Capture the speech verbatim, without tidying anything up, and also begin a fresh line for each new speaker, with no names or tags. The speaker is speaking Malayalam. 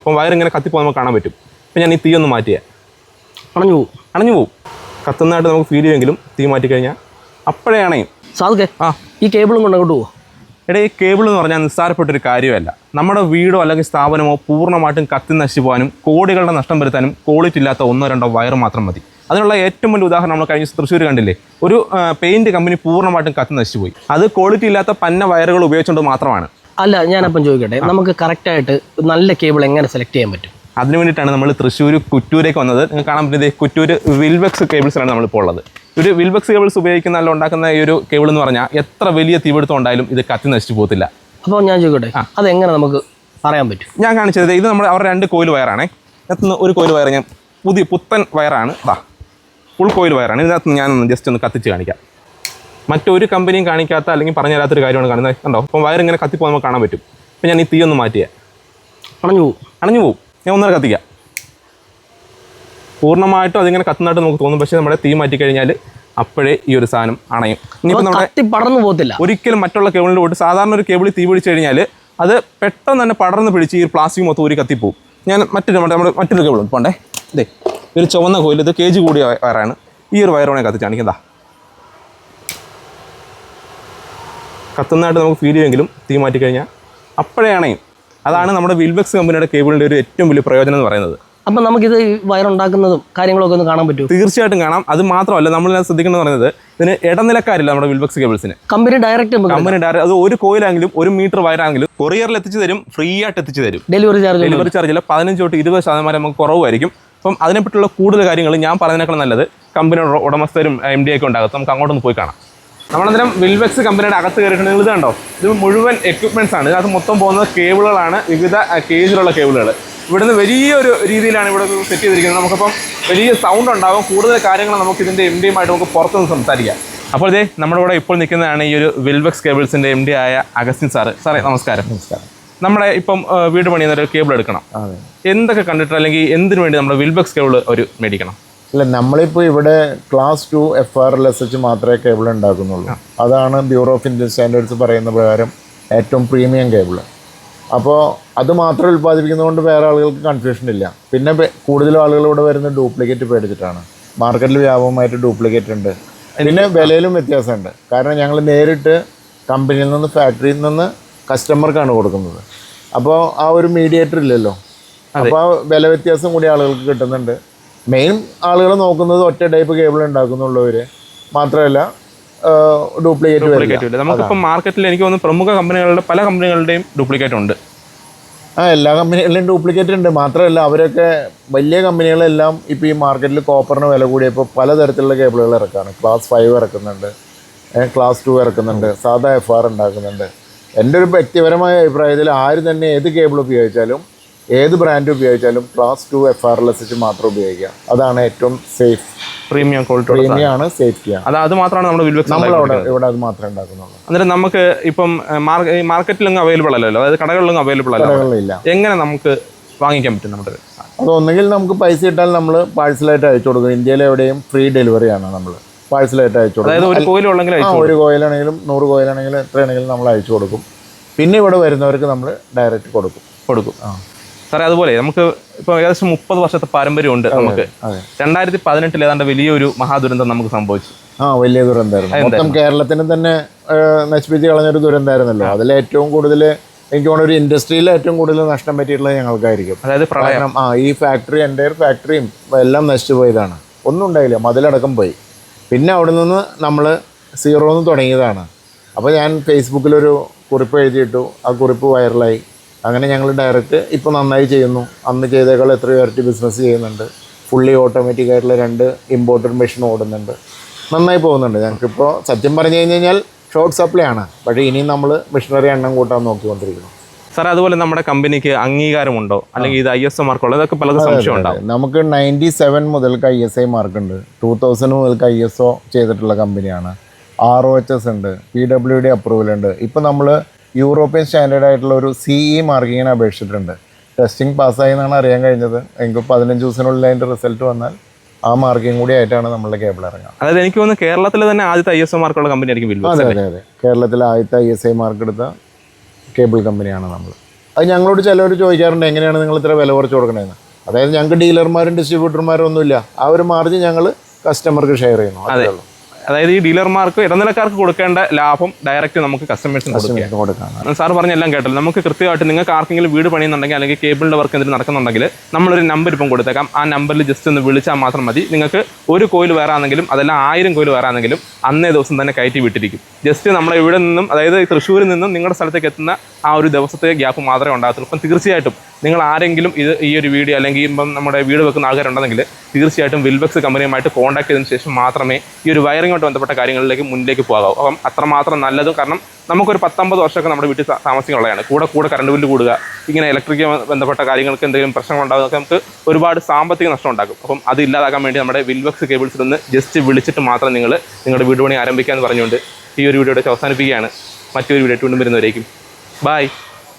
അപ്പം വയറിങ്ങനെ കത്തിപ്പോൾ നമുക്ക് കാണാൻ പറ്റും. അപ്പം ഞാൻ ഈ തീ ഒന്ന് മാറ്റിയാൽ
അണഞ്ഞു പോവും
അണഞ്ഞു പോവും കത്തുന്നതായിട്ട് നമുക്ക് ഫീൽ ചെയ്യുമെങ്കിലും തീ മാറ്റിക്കഴിഞ്ഞാൽ അപ്പോഴേ അണയും.
സാധുക്കേ ആ ഈ കേബിളും കൊണ്ട് അങ്ങോട്ട് പോവുക.
എടാ, ഈ കേബിൾ എന്ന് പറഞ്ഞാൽ നിസ്സാരപ്പെട്ടൊരു കാര്യമല്ല. നമ്മുടെ വീടോ അല്ലെങ്കിൽ സ്ഥാപനമോ പൂർണ്ണമായിട്ടും കത്തി നശിച്ചു പോകാനും കോടികളുടെ നഷ്ടം വരുത്താനും ക്വാളിറ്റി ഇല്ലാത്ത ഒന്നോ രണ്ടോ വയർ മാത്രം മതി. അതിനുള്ള ഏറ്റവും വലിയ ഉദാഹരണം നമ്മൾ കഴിഞ്ഞ തൃശ്ശൂർ കണ്ടില്ലേ, ഒരു പെയിൻറ്റ് കമ്പനി പൂർണ്ണമായിട്ടും കത്തി നശിച്ചു പോയി. അത് ക്വാളിറ്റി ഇല്ലാത്ത പന്ന വയറുകൾ ഉപയോഗിച്ചുകൊണ്ട് മാത്രമാണ്.
അല്ല, ഞാനപ്പം ചോദിക്കട്ടെ, നമുക്ക് കറക്റ്റായിട്ട് നല്ല കേബിൾ എങ്ങനെ സെലക്ട് ചെയ്യാൻ പറ്റും?
അതിനു വേണ്ടിയിട്ടാണ് നമ്മൾ തൃശ്ശൂർ കുറ്റൂരേക്ക് വന്നത്. നിങ്ങൾക്ക് കാണാൻ പറ്റുന്നത് കുറ്റൂർ വിൽബെക്സ് കേബിൾസിലാണ് നമ്മളിപ്പോൾ ഉള്ളത്. ഒരു വിൽബെക്സ് കേബിൾസ് ഉപയോഗിക്കുന്ന അല്ല ഉണ്ടാക്കുന്ന ഈ ഒരു കേബിൾ എന്ന് പറഞ്ഞാൽ എത്ര വലിയ തീപിടുത്തം ഉണ്ടായാലും ഇത് കത്തി നശിച്ചു പോകത്തില്ല.
അപ്പോൾ ഞാൻ ചോദിക്കട്ടെ, അതെങ്ങനെ നമുക്ക് പറയാൻ പറ്റും?
ഞാൻ കാണിച്ചത് ഇത് നമ്മുടെ അവരുടെ രണ്ട് കോയിൽ വയറാണേ. ഇതിനകത്ത് ഒരു കോയിൽ വയർ ഞാൻ പുതിയ പുത്തൻ വയറാണ്. ഇതാ ഫുൾ കോയിൽ വയറാണ്. ഇതിനകത്ത് ഞാനൊന്ന് ജസ്റ്റ് ഒന്ന് കത്തിച്ച് കാണിക്കാം. മറ്റൊരു കമ്പനിയും കാണിക്കാത്ത അല്ലെങ്കിൽ പറഞ്ഞു തരാത്തൊരു കാര്യമാണ് കാണുന്നത്. കണ്ടോ, അപ്പം വയർ ഇങ്ങനെ കത്തിപ്പോൾ നമുക്ക് കാണാൻ പറ്റും. അപ്പം ഞാൻ ഈ തീ ഒന്ന് മാറ്റിയാൽ
അണഞ്ഞു പോവും
അണഞ്ഞു പോവും ഞാൻ ഒന്നര കത്തിക്കാം. പൂർണ്ണമായിട്ടും അതിങ്ങനെ കത്തുന്നതായിട്ട് നമുക്ക് തോന്നും. പക്ഷേ നമ്മുടെ തീ മാറ്റി കഴിഞ്ഞാൽ അപ്പോഴേ ഈ ഒരു സാധനം അണയും. ഇനിയിപ്പോൾ നമ്മുടെ
പടർന്നു പോകത്തില്ല. ഒരിക്കലും
മറ്റുള്ള കേബിളിൽ പോയിട്ട് സാധാരണ ഒരു കേബിളിൽ തീ പിടിച്ച് കഴിഞ്ഞാൽ അത് പെട്ടെന്ന് തന്നെ പടർന്ന് പിടിച്ച് ഈ പ്ലാസ്റ്റിക് മൊത്തം ഒരു കത്തിപ്പോവും. ഞാൻ മറ്റൊരു നമ്മുടെ മറ്റൊരു കേബിൾ പോണ്ടേ, ഇതേ ഒരു ചുവന്ന കോയിൽ, ഇത് കെ ജി കൂടിയ വയറാണ്. ഈ ഒരു വയറോണെ കത്തിച്ച് കാണിക്കുന്നതാ. കത്തുന്നതായിട്ട് നമുക്ക് ഫീൽ ചെയ്യുമെങ്കിലും തീ മാറ്റി കഴിഞ്ഞാൽ അപ്പോഴേ അണയും. അതാണ് നമ്മുടെ വിൽബെക്സ് കമ്പനിയുടെ കേബിളിൻ്റെ ഒരു ഏറ്റവും വലിയ പ്രയോജനം എന്ന് പറയുന്നത്.
അപ്പം നമുക്കിത് വയറുണ്ടാക്കുന്നതും കാര്യങ്ങളൊക്കെ ഒന്ന് കാണാൻ പറ്റും?
തീർച്ചയായിട്ടും കാണാം. അത് മാത്രമല്ല, നമ്മൾ ശ്രദ്ധിക്കുന്നത് പറയുന്നത് ഇതിന് ഇടനിലക്കാരില്ല നമ്മുടെ വിൽബെക്സ് കേബിൾസിന്.
കമ്പനി ഡയറക്റ്റ്
കമ്പനി ഡയറക്റ്റ് അത് ഒരു കോയിലാണെങ്കിലും ഒരു മീറ്റർ വയറാണെങ്കിലും കൊറിയറിൽ എത്തിച്ചു തരും, ഫ്രീ ആയിട്ട് എത്തിച്ചു തരും.
ഡെലിവറി ചാർജ്
ഡെലിവറി ചാർജിൽ പതിനഞ്ച് തൊട്ട് ഇരുപത് ശതമാനം നമുക്ക് കുറവായിരിക്കും. അപ്പം അതിനെപ്പറ്റിയുള്ള കൂടുതൽ കാര്യങ്ങൾ ഞാൻ പറഞ്ഞതിനേക്കാൾ നല്ലത് കമ്പനിയുടെ ഉടമസ്ഥരും എം ഡി ഒക്കെ ഉണ്ടാകും. നമുക്ക് അങ്ങോട്ടൊന്ന് പോയി കാണാം. നമ്മളന്നേരം വിൽബെക്സ് കമ്പനിയുടെ അകത്ത് കയറിയിട്ടുണ്ടെങ്കിൽ ഇത് കണ്ടോ, ഇത് മുഴുവൻ എക്യുപ്മെൻറ്റ്സ് ആണ്. ഇതിനകത്ത് മൊത്തം പോകുന്നത് കേബിളുകളാണ്, വിവിധ കേജിലുള്ള കേബിളുകൾ. ഇവിടുന്ന് വലിയൊരു രീതിയിലാണ് ഇവിടെ സെറ്റ് ചെയ്തിരിക്കുന്നത്. നമുക്കിപ്പം വലിയ സൗണ്ട് ഉണ്ടാകും. കൂടുതൽ കാര്യങ്ങൾ നമുക്ക് ഇതിൻ്റെ എം ഡിയുമായിട്ട് നമുക്ക് പുറത്തുനിന്ന് സംസാരിക്കാം. അപ്പോൾ ഇതേ നമ്മുടെ ഇവിടെ ഇപ്പോൾ നിൽക്കുന്നതാണ് ഈ ഒരു വിൽബെക്സ് കേബിൾസിൻ്റെ എം ഡി ആയ അഗസ്റ്റിൻ സാറ്. സാറേ നമസ്കാരം.
നമസ്കാരം.
നമ്മുടെ ഇപ്പം വീട് പണിയുന്ന ഒരു കേബിൾ എടുക്കണം, എന്തൊക്കെ കണ്ടിട്ട് അല്ലെങ്കിൽ എന്തിനു വേണ്ടി നമ്മുടെ വിൽബെക്സ് കേബിൾ ഒരു മേടിക്കണം?
ഇല്ല, നമ്മളിപ്പോൾ ഇവിടെ class two F R L S H മാത്രമേ കേബിൾ ഉണ്ടാക്കുന്നുള്ളൂ. അതാണ് ബ്യൂറോ ഓഫ് ഇന്ത്യൻ സ്റ്റാൻഡേർഡ്സ് പറയുന്ന പ്രകാരം ഏറ്റവും പ്രീമിയം കേബിൾ. അപ്പോൾ അത് മാത്രം ഉൽപ്പാദിപ്പിക്കുന്നതുകൊണ്ട് വേറെ ആളുകൾക്ക് കൺഫ്യൂഷൻ ഇല്ല. പിന്നെ കൂടുതലും ആളുകൾ ഇവിടെ വരുന്ന ഡ്യൂപ്ലിക്കേറ്റ് പേടിച്ചിട്ടാണ്. മാർക്കറ്റിൽ വ്യാപകമായിട്ട് ഡ്യൂപ്ലിക്കേറ്റ് ഉണ്ട്. പിന്നെ വിലയിലും വ്യത്യാസമുണ്ട്. കാരണം ഞങ്ങൾ നേരിട്ട് കമ്പനിയിൽ നിന്ന് ഫാക്ടറിയിൽ നിന്ന് കസ്റ്റമർക്കാണ് കൊടുക്കുന്നത്. അപ്പോൾ ആ ഒരു മീഡിയേറ്റർ ഇല്ലല്ലോ. അപ്പോൾ ആ വില വ്യത്യാസം കൂടി ആളുകൾക്ക് കിട്ടുന്നുണ്ട്. മെയിൻ ആളുകൾ നോക്കുന്നത് ഒറ്റ ടൈപ്പ് കേബിൾ ഉണ്ടാക്കുന്നുള്ളവർ മാത്രമല്ല ഡ്യൂപ്ലിക്കേറ്റ്.
നമുക്കിപ്പോൾ മാർക്കറ്റിൽ എനിക്ക് തോന്നുന്നു പ്രമുഖ കമ്പനികളുടെ പല കമ്പനികളുടെയും ഡ്യൂപ്ലിക്കേറ്റ് ഉണ്ട്.
ആ എല്ലാ കമ്പനികളിലും ഡ്യൂപ്ലിക്കേറ്റ് ഉണ്ട്. മാത്രമല്ല അവരൊക്കെ വലിയ കമ്പനികളെല്ലാം ഇപ്പോൾ ഈ മാർക്കറ്റിൽ കോപ്പറിന് വില കൂടിയപ്പോൾ പലതരത്തിലുള്ള കേബിളുകൾ ഇറക്കാണ്. ക്ലാസ് ഫൈവ് ഇറക്കുന്നുണ്ട്, ക്ലാസ് ടു ഇറക്കുന്നുണ്ട്, സാധാ എഫ് ആർ ഉണ്ടാക്കുന്നുണ്ട്. എൻ്റെ ഒരു വ്യക്തിപരമായ അഭിപ്രായത്തിൽ ആര് തന്നെ ഏത് കേബിൾ ഉപയോഗിച്ചാലും ഏത് ബ്രാൻഡ് ഉപയോഗിച്ചാലും class two F R L S H മാത്രം ഉപയോഗിക്കുക. അതാണ് ഏറ്റവും സേഫ്.
പ്രീമിയം ക്വാളിറ്റി
പ്രീമിയം ആണ്, സേഫ്റ്റിയാണ്.
അത് അത് മാത്രമാണ് നമ്മുടെ വിൽബെക്സ്
നമ്മളവിടെ ഇവിടെ അത് മാത്രമേ ഉണ്ടാക്കുന്നുള്ളൂ.
അന്നേരം നമുക്ക് ഇപ്പം മാർക്കറ്റിലൊന്നും അവൈലബിൾ അല്ലല്ലോ, അതായത് കടകളിലൊന്നും അവൈലബിൾ അല്ല. എങ്ങനെ നമുക്ക് വാങ്ങിക്കാൻ പറ്റും? നമ്മുടെ
അതൊന്നെങ്കിൽ നമുക്ക് പൈസ ഇട്ടാൽ നമ്മൾ പാഴ്സലായിട്ട് അയച്ചു കൊടുക്കും. ഇന്ത്യയിൽ എവിടെയും ഫ്രീ ഡെലിവറിയാണ്. നമ്മൾ പാഴ്സലായിട്ട് അയച്ചു കൊടുക്കും.
അതായത് ഒരു കോയിലുള്ളെങ്കിൽ
ഒരു കോയിലാണെങ്കിലും നൂറ് കോയിലാണെങ്കിലും എത്രയാണെങ്കിലും നമ്മൾ അയച്ചു കൊടുക്കും. പിന്നെ ഇവിടെ വരുന്നവർക്ക് നമ്മൾ ഡയറക്റ്റ് കൊടുക്കും
കൊടുക്കും ആ സാറേ. അതുപോലെ നമുക്ക് ഇപ്പോൾ ഏകദേശം മുപ്പത് വർഷത്തെ പാരമ്പര്യമുണ്ട് നമുക്ക്. രണ്ടായിരത്തി പതിനെട്ടിൽ ഏതാണ്ട് വലിയൊരു മഹാദുരന്തം നമുക്ക് സംഭവിച്ചു.
ആ വലിയ ദുരന്തമായിരുന്നു. മൊത്തം കേരളത്തിന് തന്നെ നശിപ്പിച്ച് കളഞ്ഞൊരു ദുരന്തമായിരുന്നല്ലോ. അതിൽ ഏറ്റവും കൂടുതൽ എനിക്ക് തോന്നുന്നു ഒരു ഇൻഡസ്ട്രിയിൽ ഏറ്റവും കൂടുതൽ നഷ്ടം പറ്റിയിട്ടുള്ളത് ഞങ്ങൾക്കായിരിക്കും.
അതായത് പ്രളയം.
ആ ഈ ഫാക്ടറി എൻ്റെ ഫാക്ടറിയും എല്ലാം നശിച്ചു പോയതാണ്. ഒന്നും ഉണ്ടായില്ല, മതിലടക്കം പോയി. പിന്നെ അവിടെ നിന്ന് നമ്മൾ സീറോന്ന് തുടങ്ങിയതാണ്. അപ്പോൾ ഞാൻ ഫേസ്ബുക്കിലൊരു കുറിപ്പ് എഴുതിയിട്ടു. ആ കുറിപ്പ് വൈറലായി. അങ്ങനെ ഞങ്ങൾ ഡയറക്റ്റ് ഇപ്പോൾ നന്നായി ചെയ്യുന്നു. അന്ന് ചെയ്തേക്കാൾ എത്രയോ ഇരട്ടി ബിസിനസ് ചെയ്യുന്നുണ്ട്. ഫുള്ളി ഓട്ടോമാറ്റിക് ആയിട്ടുള്ള രണ്ട് ഇമ്പോർട്ടഡ് മെഷീൻ ഓടുന്നുണ്ട്. നന്നായി പോകുന്നുണ്ട്. ഞങ്ങൾക്കിപ്പോൾ സത്യം പറഞ്ഞു കഴിഞ്ഞ് കഴിഞ്ഞാൽ ഷോർട്ട് സപ്ലൈ ആണ്. പക്ഷേ ഇനിയും നമ്മൾ മെഷീനറി എണ്ണം കൂട്ടാൻ നോക്കിക്കൊണ്ടിരിക്കുന്നു.
സാർ അതുപോലെ നമ്മുടെ കമ്പനിക്ക് അംഗീകാരമുണ്ടോ അല്ലെങ്കിൽ ഇത് ഐ എസ് ഒ മാർക്കുള്ളൂ? ഇതൊക്കെ പലതും സംശയം ഉണ്ടാവും.
നമുക്ക് നയൻറ്റി സെവൻ മുതൽക്ക് ഐ എസ് ഐ മാർക്കുണ്ട്. ടൂ തൗസൻഡ് മുതൽക്ക് ഐ എസ് ഒ ചെയ്തിട്ടുള്ള കമ്പനിയാണ്. ആർ ഒ എച്ച് എസ് ഉണ്ട്, പി ഡബ്ല്യു ഡി അപ്രൂവൽ ഉണ്ട്. ഇപ്പോൾ നമ്മൾ യൂറോപ്യൻ സ്റ്റാൻഡേർഡ് ആയിട്ടുള്ള ഒരു സി ഇ മാർക്കിങ്ങിന് അപേക്ഷിച്ചിട്ടുണ്ട്. ടെസ്റ്റിംഗ് പാസ്സായി എന്നാണ് അറിയാൻ കഴിഞ്ഞത്. എനിക്ക് പതിനഞ്ച് ദിവസത്തിനുള്ളിൽ അതിൻ്റെ റിസൾട്ട് വന്നാൽ ആ മാർക്കിങ് കൂടി ആയിട്ടാണ് നമ്മുടെ കേബിൾ ഇറങ്ങുക.
അതായത് എനിക്ക് തോന്നുന്നു കേരളത്തിലെ തന്നെ ആദ്യത്തെ ഐ എസ് ഒ മാർക്കുള്ള കമ്പനി ആയിരിക്കും വിൽബെക്സ്.
അതെ അതെ അതെ കേരളത്തിലെ ആദ്യത്തെ ഐ എസ് ഐ മാർക്ക് എടുത്ത കേബിൾ കമ്പനിയാണ് നമ്മൾ. അത് ഞങ്ങളോട് ചിലവർ ചോദിക്കാറുണ്ട് എങ്ങനെയാണ് നിങ്ങൾ ഇത്ര വില കുറച്ച് കൊടുക്കണതെന്ന്. അതായത് ഞങ്ങൾക്ക് ഡീലർമാരും ഡിസ്ട്രിബ്യൂട്ടർമാരും ഒന്നുമില്ല. ആ ഒരു മാർജിൻ ഞങ്ങൾ കസ്റ്റമർക്ക് ഷെയർ ചെയ്യുന്നു. അതേ ഉള്ളൂ.
അതായത് ഈ ഡീലർമാർക്ക് ഇടനിലക്കാർക്ക് കൊടുക്കേണ്ട ലാഭം ഡയറക്റ്റ് നമുക്ക് കസ്റ്റമേഴ്സിന് കൊടുക്കാം. സാർ പറഞ്ഞെല്ലാം കേട്ടല്ലോ. നമുക്ക് കൃത്യമായിട്ട് നിങ്ങൾക്ക് ആർക്കെങ്കിലും വീട് പണിയുന്നുണ്ടെങ്കിൽ അല്ലെങ്കിൽ കേബിളിൻ്റെ വർക്ക് എന്തെങ്കിലും നടക്കുന്നുണ്ടെങ്കിൽ നമ്മളൊരു നമ്പർ ഇപ്പം കൊടുത്തേക്കാം. ആ നമ്പറിൽ ജസ്റ്റ് ഒന്ന് വിളിച്ചാൽ മാത്രം മതി. നിങ്ങൾക്ക് ഒരു കോയിൽ വേറെ ആണെങ്കിലും അതെല്ലാം ആയിരം കോയിൽ വേറെ ആണെങ്കിലും അന്നേ ദിവസം തന്നെ കയറ്റി വിട്ടിരിക്കും. ജസ്റ്റ് നമ്മളെ ഇവിടെ നിന്നും അതായത് തൃശ്ശൂരിൽ നിന്നും നിങ്ങളുടെ സ്ഥലത്തേക്ക് എത്തുന്ന ആ ഒരു ദിവസത്തെ ഗ്യാപ്പ് മാത്രമേ ഉണ്ടാകത്തുള്ളൂ. അപ്പം തീർച്ചയായിട്ടും നിങ്ങൾ ആരെങ്കിലും ഇത് ഈ ഒരു വീഡിയോ അല്ലെങ്കിൽ ഇപ്പം നമ്മുടെ വീട് വെക്കുന്ന ആൾക്കാരുണ്ടെങ്കിൽ തീർച്ചയായിട്ടും വിൽബക്സ് കമ്പനിയുമായിട്ട് കോൺടാക്ട് ചെയ്തതിന് ശേഷം മാത്രമേ ഈ ഒരു വയറിങ്ങോട്ട് ബന്ധപ്പെട്ട കാര്യങ്ങളിലേക്ക് മുന്നിലേക്ക് പോകാവൂ. അപ്പം അത്രമാത്രം നല്ലതും. കാരണം നമുക്കൊരു പത്തൊമ്പത് വർഷമൊക്കെ നമ്മുടെ വീട്ടിൽ താമസിക്കാനുള്ളതാണ്. കൂടെ കൂടെ കറണ്ട് ബില്ല് കൂടുക, ഇങ്ങനെ ഇലക്ട്രിക് ബന്ധപ്പെട്ട കാര്യങ്ങൾക്ക് എന്തെങ്കിലും പ്രശ്നങ്ങൾ ഉണ്ടാകുന്നതൊക്കെ നമുക്ക് ഒരുപാട് സാമ്പത്തിക നഷ്ടം ഉണ്ടാക്കും. അപ്പം അത് ഇല്ലാതാക്കാൻ വേണ്ടി നമ്മുടെ വിൽബക്സ് കേബിൾസിൽ നിന്ന് ജസ്റ്റ് വിളിച്ചിട്ട് മാത്രം നിങ്ങൾ നിങ്ങളുടെ വീട് പണി ആരംഭിക്കുക എന്ന് പറഞ്ഞുകൊണ്ട് ഈ ഒരു വീഡിയോയുടെ അവസാനിപ്പിക്കുകയാണ്. മറ്റൊരു വീഡിയോ വീണ്ടും വരുന്നവരേക്കും ബൈ.